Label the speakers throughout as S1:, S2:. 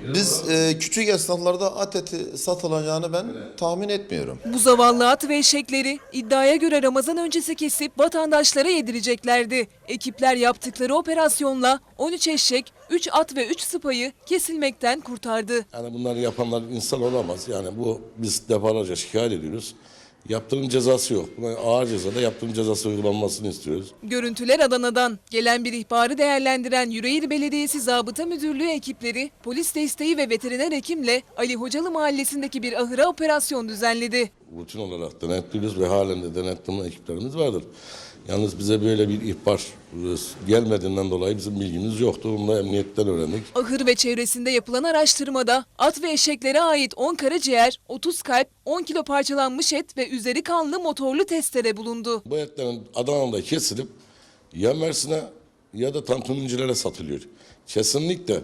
S1: Biz küçük esnaflarda at eti satılacağını ben tahmin etmiyorum.
S2: Bu zavallı at ve eşekleri iddiaya göre Ramazan öncesi kesip vatandaşlara yedireceklerdi. Ekipler yaptıkları operasyonla 13 eşek, 3 at ve 3 sıpayı kesilmekten kurtardı.
S3: Yani bunları yapanlar insan olamaz. Yani bu biz defalarca şikayet ediyoruz. Yaptırım cezası yok. Buna ağır cezada yaptırım cezası uygulanmasını istiyoruz.
S2: Görüntüler Adana'dan. Gelen bir ihbarı değerlendiren Yüreğir Belediyesi Zabıta Müdürlüğü ekipleri polis desteği ve veteriner hekimle Ali Hocalı mahallesindeki bir ahıra operasyon düzenledi.
S3: Rutin olarak denetliyoruz ve halen de denetleme ekiplerimiz vardır. Yalnız bize böyle bir ihbar gelmediğinden dolayı bizim bilgimiz yoktu. Bunu da emniyetten öğrendik.
S2: Ahır ve çevresinde yapılan araştırmada at ve eşeklere ait 10 karaciğer, 30 kalp, 10 kilo parçalanmış et ve üzeri kanlı motorlu testere bulundu.
S3: Bu etlerin Adana'da kesilip ya Mersin'e ya da tantunicilere satılıyor. Kesinlikle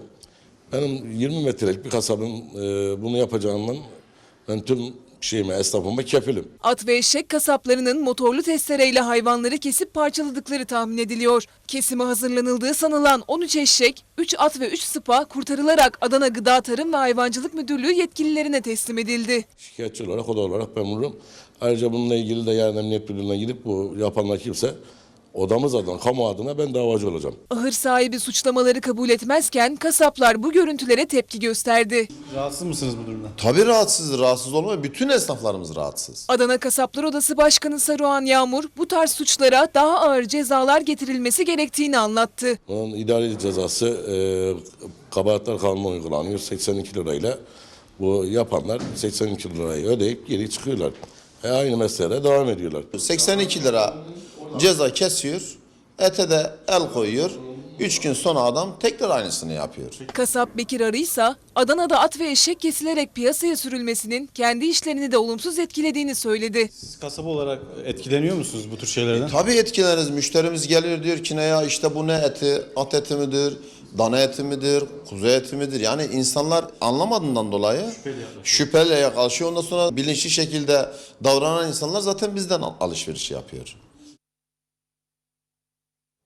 S3: benim 20 metrelik bir kasabın bunu yapacağından ben tüm esnafıma kefilim.
S2: At ve eşek kasaplarının motorlu testereyle hayvanları kesip parçaladıkları tahmin ediliyor. Kesime hazırlanıldığı sanılan 13 eşek, 3 at ve 3 sıpa kurtarılarak Adana Gıda Tarım ve Hayvancılık Müdürlüğü yetkililerine teslim edildi.
S3: Şikayetçi olarak, oda olarak ben vururum. Ayrıca bununla ilgili de yarın emniyet müdürlüğüne gidip bu yapanlar kimse odamız adına, kamu adına ben davacı olacağım.
S2: Ahır sahibi suçlamaları kabul etmezken kasaplar bu görüntülere tepki gösterdi.
S4: Rahatsız mısınız bu durumdan?
S1: Tabii rahatsız, rahatsız olmuyor. Bütün esnaflarımız rahatsız.
S2: Adana Kasaplar Odası Başkanı Saruhan Yağmur bu tarz suçlara daha ağır cezalar getirilmesi gerektiğini anlattı.
S3: Bunun idari cezası kabahatler kanunu uygulanıyor 82 lirayla. Bu yapanlar 82 lirayı ödeyip geri çıkıyorlar. Aynı mesleğe devam ediyorlar.
S1: 82 lira ceza kesiyor, ete de el koyuyor. 3 gün sonra adam tekrar aynısını yapıyor.
S2: Kasap Bekir Arıysa Adana'da at ve eşek kesilerek piyasaya sürülmesinin kendi işlerini de olumsuz etkilediğini söyledi.
S4: Siz kasaba olarak etkileniyor musunuz bu tür şeylerden?
S1: Tabii etkileniriz. Müşterimiz geliyor diyor ki ne ya işte bu ne eti, at eti midir, dana eti midir, kuzu eti midir? Yani insanlar anlamadığından dolayı şüpheyle yaklaşıyor. Ondan sonra bilinçli şekilde davranan insanlar zaten bizden alışveriş yapıyor.